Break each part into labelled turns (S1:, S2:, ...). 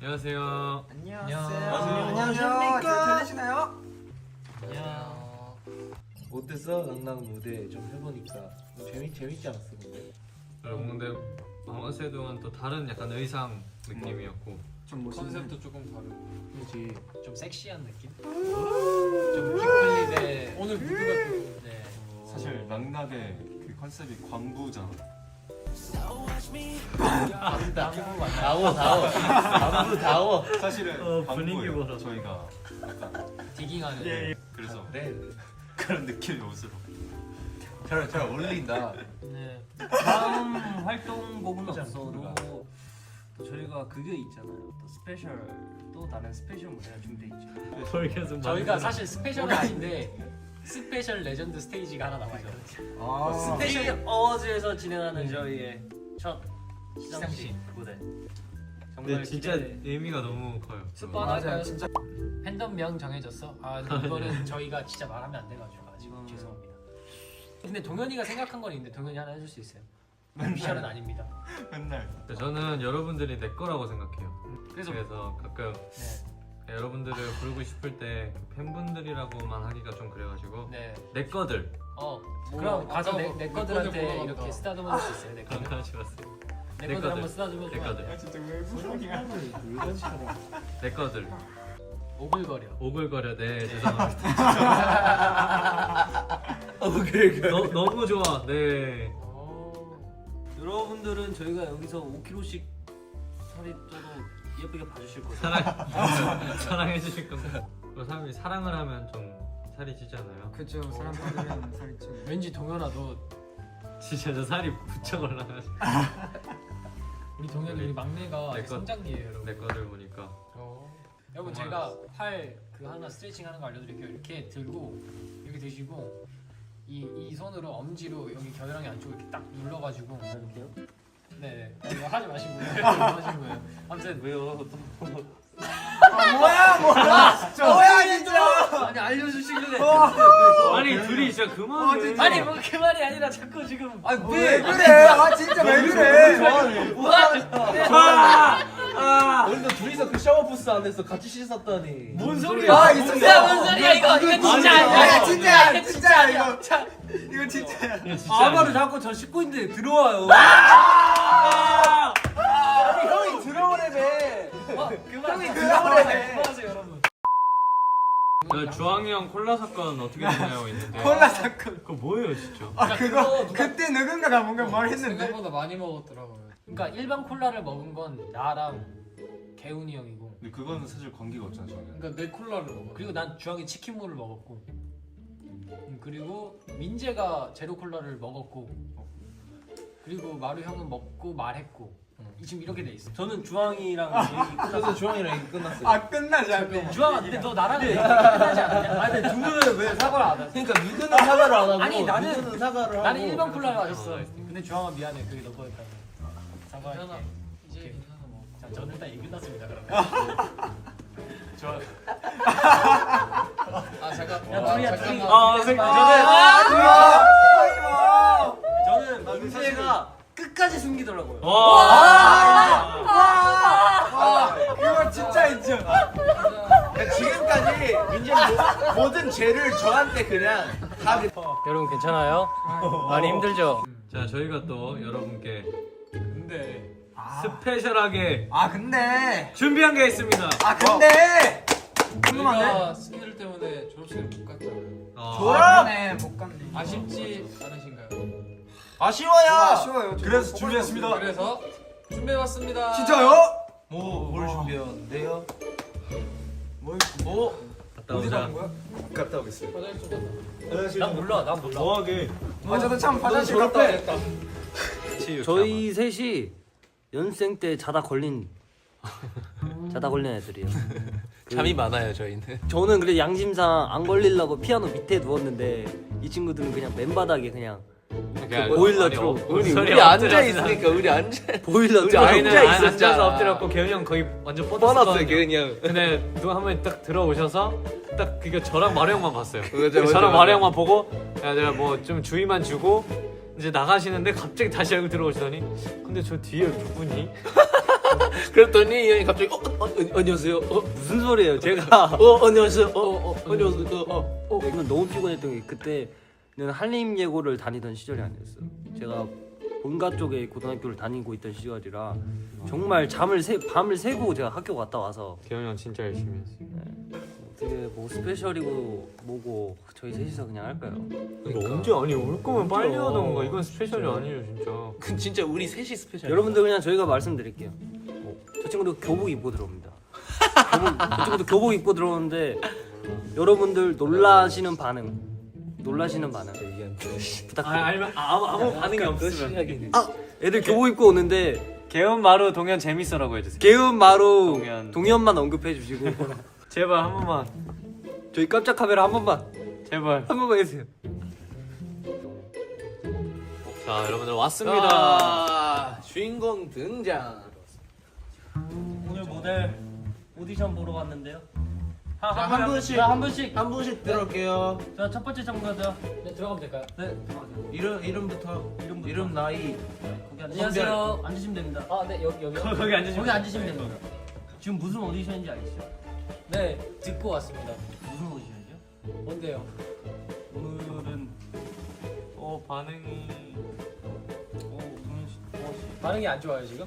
S1: 안녕하세요.
S2: 안녕하십니까? 잘 들리시나요?
S1: 안녕.
S3: 어땠어? 낭낭 무대 좀 해보니까 재밌지 않았어 근데?
S1: 여러분 근데 어세 동안 또 다른 약간 의상 느낌이었고
S2: 좀 멋있는
S4: 컨셉도 조금 다르고
S3: 그렇지.
S4: 좀 섹시한 느낌? 좀 빅플립의 오늘 무드가 좀 네.
S5: 사실 락락의 그 컨셉이 광부잖아.
S3: 다워.
S5: 사실은
S1: 분위기
S5: 광부예요.
S1: 보러.
S5: 저희가 약간
S4: 디깅하는
S5: 그래서
S3: 네.
S5: 그런 느낌의 옷으로.
S3: 잘 어울린다.
S6: 네. 다음 활동곡은 없어도 또 저희가 그게 있잖아요. 또 스페셜 또 다른 스페셜 무대가 준비돼 있죠.
S1: 뭘 계속
S4: 저희가 사실 스페셜은 아닌데 스페셜 레전드 스테이지가 하나 남아있거든요.
S2: 아,
S6: 스페셜 어워즈에서 진행하는 저희의 첫 시상식 무대. 정말
S1: 근데 진짜
S6: 기대.
S1: 의미가 너무 커요.
S4: 스파나요?
S2: 진짜
S4: 팬덤명 정해졌어? 아 근데 이거는 저희가 진짜 말하면 안 돼가지고 아직 죄송합니다. 근데 동현이가 생각한 건 있는데 동현이 하나 해줄 수 있어요? 미션은 아닙니다.
S5: 맨날
S1: 저는 여러분들이 내 거라고 생각해요.
S4: 그래서
S1: 그래서 가끔
S4: 네,
S1: 여러분들을 부르고 싶을 때 팬분들이라고만 하기가 좀 그래가지고
S4: 네.
S1: 내 거들
S4: 그럼 가서
S2: 아까
S4: 내
S2: 내
S4: 거들한테
S2: 거들
S4: 이렇게
S2: 보러
S4: 쓰다듬어 줄 수 있어요? 내 거들?
S1: 감사하셨어요.
S4: 내
S1: 내
S4: 거들
S1: 거들.
S4: 한번 쓰다듬어
S1: 내
S4: 주면 안 돼요?
S1: 거들
S2: 진짜 왜 무슨이야?
S3: 물건처럼.
S1: 내 거들
S4: 오글거려.
S1: 오글거려. 네 죄송합니다. 너무 좋아. 네.
S6: 여러분들은 저희가 여기서 5kg씩 살이 쪄도 예쁘게 봐주실 거예요.
S1: 사랑해 주실 건가? 그 사람이 사랑을 하면 좀 살이 찌잖아요.
S2: 그죠. 사람 받으면 살이 찌고.
S4: 왠지 동현아 너
S1: 진짜 저 살이 부쩍 올라가지고
S4: 우리 동현이 우리 막내가
S1: 내
S4: 아직
S1: 거-
S4: 성장기예요 여러분.
S1: 내 거들 보니까
S4: 여러분 제가 팔 그 하나 스트레칭 하는 거 알려드릴게요. 이렇게 들고 이렇게 드시고 이 손으로 엄지로 여기 겨드랑이 안쪽을 이렇게 딱 눌러가지고
S6: 이렇게요?
S4: 네 이거 하지 마시고 이거 하신 거예요. 아무튼
S6: 왜요?
S2: 뭐야 진짜.
S6: 아니 알려주시길래.
S1: 아니 둘이 진짜 그만해.
S6: 아니 뭐 그 말이 아니라 자꾸 지금.
S2: 아니 왜 그래? 아 진짜 왜 그래?
S3: 우리도 둘이서 그 샤워 부스 안에서 같이 씻었다니.
S6: 뭔 소리야?
S2: 아 있었어.
S6: 야, 뭔 소리야 이거 진짜 아니야.
S2: 야 진짜야 진짜야 이거. 이거 진짜야.
S6: 아마를 자꾸 저 씻고 있는데 들어와요.
S2: 형이 들어오래매.
S6: 형이
S2: 들어오래매.
S6: 그만하세요 여러분.
S1: 저 주황이 형 콜라 사건 어떻게 되나요 있는데.
S2: 콜라 사건.
S1: 그거 뭐예요 진짜?
S2: 아 그거 그때 누군가가 뭔가 말했는데.
S4: 생각보다 많이 먹었더라고요. 그러니까 일반 콜라를 먹은 건 나랑 개훈이 형이고
S5: 근데 그거는 사실 관계가 없잖아 저희는.
S4: 그러니까 내 콜라를 먹어. 그리고 난 주황이 치킨물을 먹었고 그리고 민재가 제로 콜라를 먹었고 그리고 마루 형은 먹고 말했고 지금 이렇게 돼 있어.
S6: 저는 주황이랑 얘기
S3: 그래서
S6: 끝났어요.
S3: 주황이랑 얘기 끝났어요.
S2: 아 끝나지 않고.
S4: 주황아 근데 너 나랑 얘기 끝나지 않았냐?
S6: 아니 근데 두 분은 왜 사과를 안 하세요?
S3: 그러니까 누구는 사과를 안 하고
S4: 아니, 나는-
S3: 누구는 사과를 하고.
S4: 나는 일반 콜라를 마셨어. 근데 주황아 미안해 그게 너 거였다. 사과할게.
S6: 이제 괜찮아 뭐.
S4: 자 저는 일단 얘기 끝났습니다 그러면.
S6: 아 잠깐.
S4: 야 둘이야 둘이.
S6: 저는 민재가 끝까지 숨기더라고요.
S2: 그거 진짜 인정.
S3: 그러니까 지금까지 민재 모든 죄를 저한테 그냥 다.
S4: 여러분 괜찮아요? 많이 힘들죠?
S1: 자 저희가 또 여러분께
S4: 근데
S1: 스페셜하게
S2: 아 근데.
S1: 준비한 게 있습니다.
S2: 아 근데. 궁금한데.
S4: 저희가 스케줄 때문에 졸업식을 못 갔잖아요.
S2: 졸업네 못 갔네.
S4: 아쉽지 않으신가요?
S3: 아쉬워요.
S2: 아쉬워요.
S5: 그래서 준비했습니다.
S4: 그래서 준비해봤습니다.
S2: 진짜요?
S3: 뭘 준비했는데요?
S1: 갔다
S2: 어디
S1: 오자.
S2: 가는 거야?
S5: 갔다 오겠어요.
S4: 화장실 좀 갔다.
S6: 난 몰라. 난 몰라.
S5: 뭐하게?
S2: 아 저도 참 화장실
S3: 졸업해.
S2: 갔다.
S6: 저희 셋이 연생 때 자다 걸린 애들이에요.
S3: 잠이 많아요 저희는.
S6: 저는 그래 양심상 안 걸리려고 피아노 밑에 누웠는데 이 친구들은 그냥 맨바닥에 그냥 보일러 틀어.
S3: 우리 앉아 있으니까 우리 앉아.
S6: 보일러
S3: 우리
S6: 틀어.
S3: 앉아 있었잖아.
S1: 앉아서 엎드렸고 개훈이 형 거의 완전
S3: 뻔했어요
S1: 뻗었거든요.
S3: 그냥.
S1: 근데 누가 한 분이 딱 들어오셔서 딱 그게 저랑 마루 형만 봤어요.
S3: 맞아.
S1: 저랑 마루 형만 보고 야 내가 뭐 좀 주의만 주고 이제 나가시는데 갑자기 다시 얼굴 들어오시더니 근데 저 뒤에 누구니?
S3: 그랬더니 이 형이 갑자기 안녕하세요.
S7: 무슨 소리예요? 제가
S3: 안녕하세요. 안녕하세요.
S7: 이건 너무 피곤했던 게 그때는 한림 예고를 다니던 시절이 아니었어요. 제가 본가 쪽에 고등학교를 다니고 있던 시절이라 정말 밤을 새고 제가 학교 갔다 와서
S1: 개훈이 형 진짜 열심히 했어요.
S7: 되게 뭐 스페셜이고 뭐고 저희 셋이서 그냥 할까요?
S1: 이거 언제 아니 올 거면 빨리 하던가. 이건 스페셜이 아니에요 진짜.
S3: 그 진짜 우리 셋이 스페셜.
S7: 여러분들 그냥 저희가 말씀드릴게요. 저 친구도 교복 입고 들어옵니다. 저 친구도 교복 입고 들어오는데 여러분들 놀라시는 반응 부탁드려요.
S1: 아무 반응이 없으면.
S7: 애들 교복 입고 오는데
S1: 개훈 마루 동현 재밌어라고 해주세요.
S7: 개운 마루
S1: 동현.
S7: 동현만 언급해 주시고
S1: 제발 한 번만.
S7: 저희 깜짝 카메라 한 번만 해주세요.
S1: 자 여러분들 왔습니다.
S3: 주인공 등장.
S6: 오늘 모델 오디션 보러 왔는데요.
S2: 한 분씩
S4: 한 분씩.
S2: 한 분씩 들어올게요.
S6: 자, 첫 번째 참가자.
S4: 네, 들어가면 될까요?
S6: 네.
S2: 이름부터 이름 나이.
S6: 거기
S4: 안녕하세요.
S6: 앉으시면 됩니다.
S4: 아, 네, 여기요.
S1: 거기 앉으시면.
S6: 거기 앉으시면 됩니다. 지금 무슨 오디션인지 아시죠?
S4: 네, 듣고 왔습니다.
S6: 무슨 오디션이죠?
S4: 뭔데요?
S6: 오늘은
S1: 반응이.
S6: 동현 씨.
S4: 반응이 안 좋아요 지금?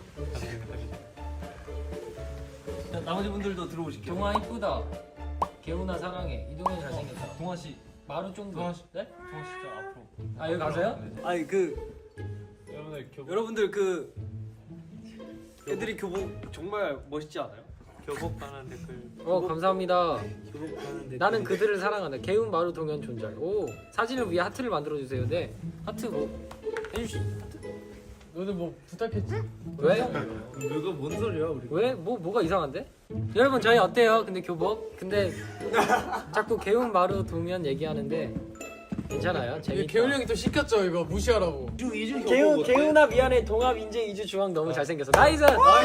S6: 자, 나머지 분들도 들어오실게요.
S4: 동아 이쁘다. 개훈아 사랑해. 이동현 잘생겼다.
S6: 동아 씨.
S4: 마루 쫑도.
S6: 동아 씨.
S4: 네?
S6: 동아 씨 저 앞으로.
S4: 아 여기 가세요?
S7: 아니 그
S1: 여러분들 교복.
S7: 여러분들 그 애들이 교복 정말 멋있지 않아요?
S1: 교복 가는 댓글.
S4: 감사합니다.
S7: 교복 하는데
S4: 나는 그들을 사랑한다. 개훈 마루 동현 존잘. 오 사진을 위해 하트를 만들어 주세요. 네 하트 뭐 해주시. 하트. 너는 뭐 부탁했지? 왜?
S3: 누가 뭔 소리야 우리?
S4: 왜? 뭐가 이상한데? 여러분 저희 어때요? 근데 교복? 근데 자꾸 개훈 마루 동현 얘기하는데 괜찮아요? 재밌다. 개훈 형이 또 시켰죠 이거 무시하라고.
S3: 이주
S4: 개훈아 미안해 동합 인재 이주 중앙 너무 잘생겼어. 나이스.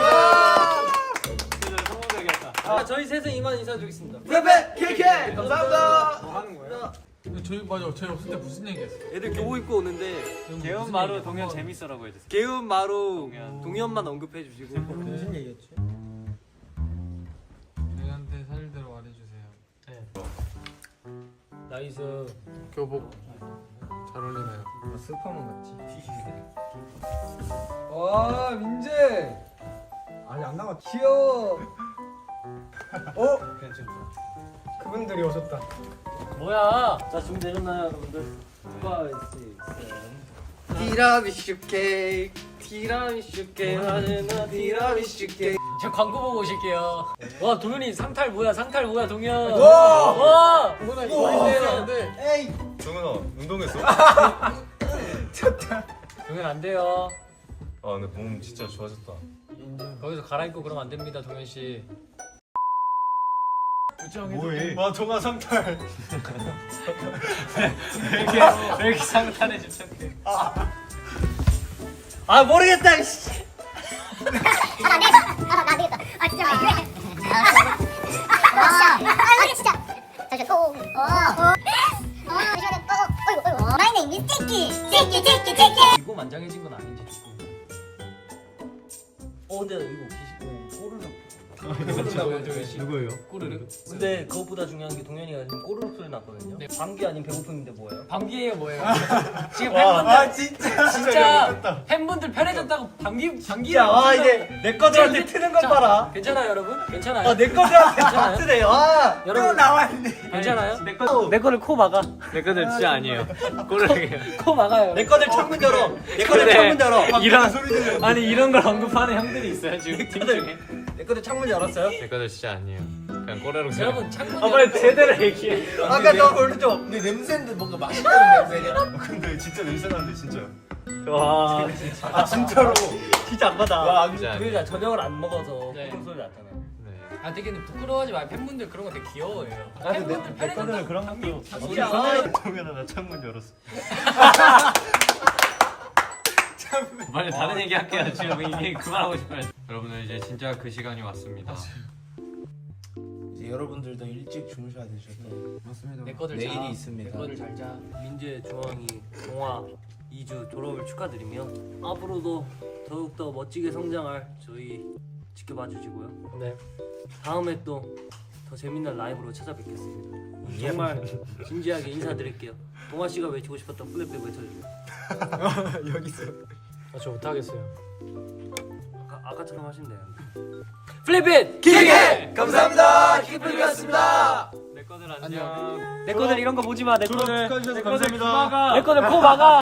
S4: 아 저희 셋은 이만 인사드리겠습니다.
S2: 베베 KK 감사합니다. 뭐 하는 거예요?
S1: 저희 없을 때 무슨 얘기했어?
S7: 애들 교복 입고 오는데
S1: 개훈 마루 동현 재밌어라고 해주세요.
S7: 개운 마루 동현만 언급해 주시고
S2: 무슨 얘기였지?
S1: 저희한테 사실대로 말해주세요.
S4: 나이스.
S1: 교복 잘 어울리나요?
S2: 스파만 같지.
S7: 와 민재
S2: 아니 안 나갔지.
S7: 귀여워.
S2: 그분들이 오셨다.
S4: 뭐야?
S7: 자 준비되셨나요 여러분들? 5, 6, 7 티라미슈 케이크 하늘나 티라미슈 케이크.
S4: 저 광고 보고 오실게요. 와 동현이 상탈 뭐야 동현. 와. 동현아 이거 안 돼요.
S2: 에이.
S5: 정은아 운동했어?
S4: 동현 안 돼요.
S5: 아 근데 몸 진짜 좋아졌다.
S4: 거기서 갈아입고 그러면 안 됩니다 동현 씨.
S5: 뭐해?
S2: 와 동아 상탈.
S1: 왜 이렇게 상탄에 집착해?
S7: 아 모르겠다. 씨.
S8: 나 되겠다. 아 진짜 아 진짜. 잠시 또. My name is Tiki.
S7: 이거 만장해진 건 아닌지 조금. 근데 이거 꼬르륵.
S1: 누구예요?
S4: 꼬르륵.
S7: 근데 그것보다 중요한 게 동현이가 지금 꼬르륵 소리 났거든요.
S4: 네.
S7: 감기 아닌 배고픔인데 뭐예요?
S4: 감기예요 뭐예요? 지금
S2: 아
S4: 팬분들
S2: 진짜.
S4: 진짜 팬분들 편해졌다고 감기.
S2: 아 이제 내 거들한테 트는 건 봐라.
S4: 괜찮아요 여러분? 괜찮아요?
S2: 내 거들한테
S4: 괜찮아요?
S2: 트래요. 아
S4: 여러분
S2: 나왔네.
S4: 괜찮아요?
S7: 내 거를 코 막아.
S1: 내 거들 진짜 아니에요. 꼬르륵이에요.
S4: 코 막아요.
S2: 내 거들 창문 열어. 내 거들
S1: 그래.
S2: 창문 열어.
S1: 이런
S2: 소리 들려.
S1: 아니 이런 걸 언급하는 형들이 있어요 지금 팀 중에.
S2: 내 거들 창문 열었어요?
S1: 내 거들 진짜 아니에요. 그냥 꼬르륵 소리.
S4: 여러분 창문
S1: 빨리 제대로 얘기해.
S2: 아까 너 오른쪽. 근데 냄새인데 뭔가 맛있는 냄새냐?
S5: 근데 진짜 냄새 나는데 진짜.
S1: 와.
S2: 아 진짜로.
S7: 진짜 안 받아.
S2: 와
S1: 진짜
S7: 동현이가 저녁을 안 먹어서
S4: 네.
S7: 꼬르륵 소리 났잖아.
S1: 네.
S4: 아 되게 근데 부끄러워하지 마요. 팬분들 그런 거 되게 귀여워해요.
S5: 근데
S4: 팬분들
S5: 내 거는 그런 것도. 정연아 나 창문 열었어.
S1: 빨리 다른 얘기 할게요. 지금 이게 그만하고 싶어요. 여러분들 이제 진짜 그 시간이 왔습니다.
S2: 이제 여러분들도 일찍 주무셔야 되셔서. 맞습니다.
S4: 내 거들
S2: 내일이
S4: 자.
S2: 있습니다.
S4: 내 거들 잘 자.
S7: 민재, 주황이, 동화 2주 졸업을 축하드리며 앞으로도 더욱더 멋지게 성장할 저희 지켜봐 주시고요.
S4: 네.
S7: 다음에 또 더 재밌는 라이브로 찾아뵙겠습니다. 정말 진지하게 인사드릴게요. 동아 씨가 외치고 싶었던 플랫백 외쳐주세요.
S2: 여기 있어.
S4: 저 못하겠어요.
S7: 아까처럼 하시면 돼요.
S4: 플립잇!
S2: 기계 감사합니다. 기플이었습니다.
S1: 내 거들 안녕.
S7: 내 거들 이런 거 보지 마. 내 거들
S5: 축하해주셔서 감사합니다.
S7: 내 거들 코 막아.